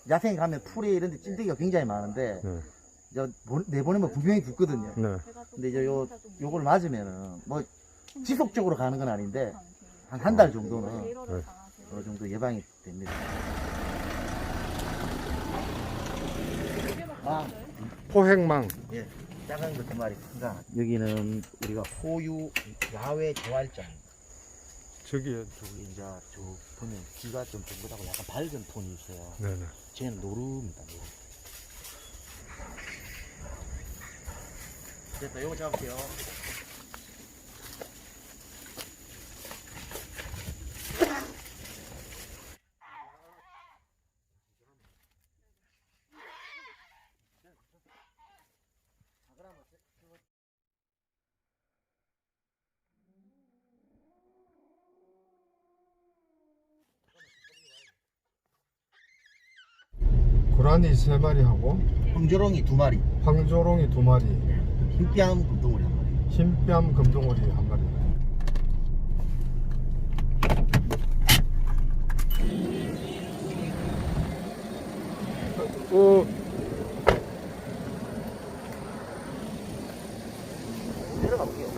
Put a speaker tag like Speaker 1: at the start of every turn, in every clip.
Speaker 1: 야생에 가면 풀에 이런 데 찐득이가 굉장히 많은데
Speaker 2: 네.
Speaker 1: 내보내면 분명히 붙거든요.
Speaker 2: 네.
Speaker 1: 근데 이제 요걸 맞으면은 뭐 지속적으로 가는 건 아닌데 한 달 정도는
Speaker 2: 네.
Speaker 1: 어느 정도 예방이 됩니다.
Speaker 2: 포획망.
Speaker 1: 예, 작은 거 두 마리 큰 거. 여기는 우리가 호유 야외 재활장입니다.
Speaker 2: 저기에
Speaker 1: 저기 이제 저 보면 귀가 좀 둥글하고 약간 밝은 톤이 있어요.
Speaker 2: 네네.
Speaker 1: 쟤는 노루입니다. 노루. 됐다. 요거 잡을게요.
Speaker 2: 고라니 3마리하고
Speaker 1: 황조롱이 2마리,
Speaker 2: 황조롱이 2마리,
Speaker 1: 흰뺨 금동우리 1마리.
Speaker 2: 흰뺨 금동오리 1마리.
Speaker 1: 내려가 볼게요.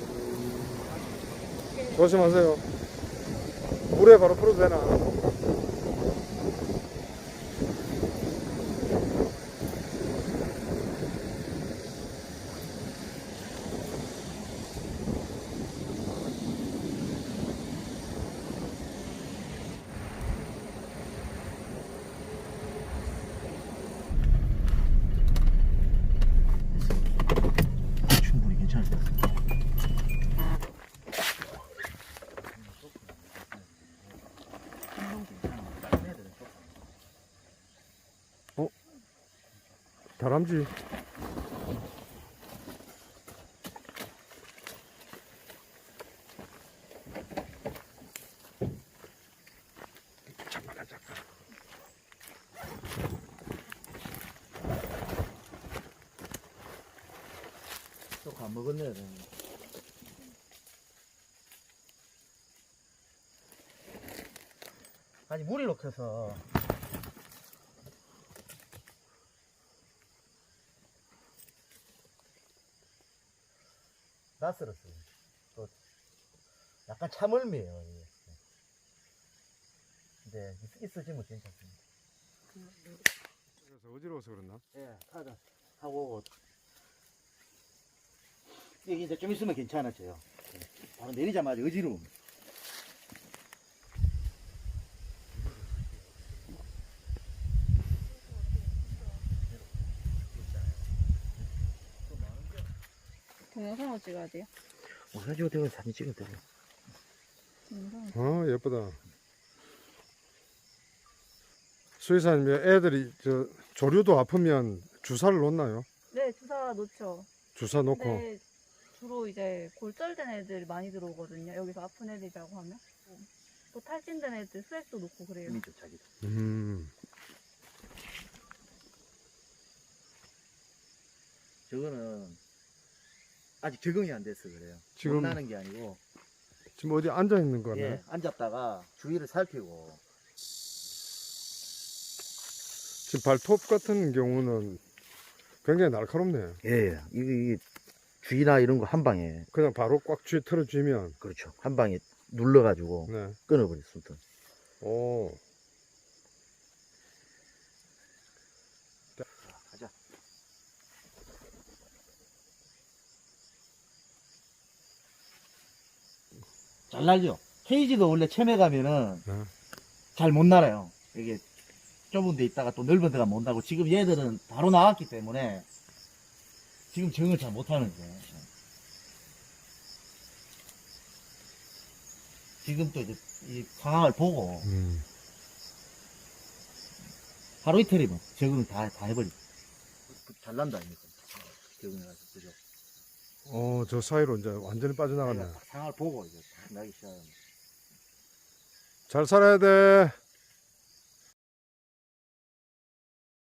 Speaker 2: 조심하세요. 물에 바로 풀어도 되나?
Speaker 1: 충분히 괜찮을 것 같습니다.
Speaker 2: 다람쥐. 잠깐만.
Speaker 1: 또 안 먹었네요. 아니 물이 녹혀서 낯설었어요. 또 약간 참을미에요. 이게. 근데 있어지면 괜찮습니다.
Speaker 2: 그래서 어지러워서 그랬나?
Speaker 1: 예, 하고 이게 이제 좀 있으면 괜찮아져요. 예, 바로 내리자마자 어지러움.
Speaker 3: 동영상으로 찍어야 돼요?
Speaker 1: 사진 찍어 사진 찍을 때.
Speaker 3: 동영상.
Speaker 2: 예쁘다. 수의사님, 애들이 조류도 아프면 주사를 놓나요?
Speaker 3: 네, 주사 놓죠.
Speaker 2: 주사 놓고.
Speaker 3: 근데 주로 이제 골절된 애들 많이 들어오거든요. 여기서 아픈 애들이라고 하면. 또 탈진된 애들 수액도 놓고 그래요.
Speaker 1: 힘이 좀 자기도. 저거는 아직 적응이 안 돼서 그래요.
Speaker 2: 지금-
Speaker 1: 못 나는 게 아니고
Speaker 2: 지금 어디 앉아 있는 거네.
Speaker 1: 예, 앉았다가 주위를 살피고
Speaker 2: 지금 발톱 같은 경우는 굉장히 날카롭네요.
Speaker 1: 예, 이게 쥐나 이런 거 한 방에
Speaker 2: 그냥 바로 꽉 틀어쥐면.
Speaker 1: 그렇죠. 한 방에 눌러가지고
Speaker 2: 네.
Speaker 1: 끊어버렸습니다.
Speaker 2: 오.
Speaker 1: 자, 가자. 잘 날죠. 케이지도 원래 처음에 가면은
Speaker 2: 네.
Speaker 1: 잘 못 날아요. 이게 좁은 데 있다가 또 넓은 데가 못 나고 지금 얘들은 바로 나왔기 때문에 지금 적응을 잘 못하는 거예요. 지금 또 이제 이 상황을 보고 하루 이틀이면 적응을 다 해버리고 잘 난다 아닙니까? 적응을 해서 그죠?
Speaker 2: 저 사이로 이제 완전히 빠져나갔네.
Speaker 1: 상황을 보고 이제 딱 나기 시작합니다.
Speaker 2: 잘 살아야 돼.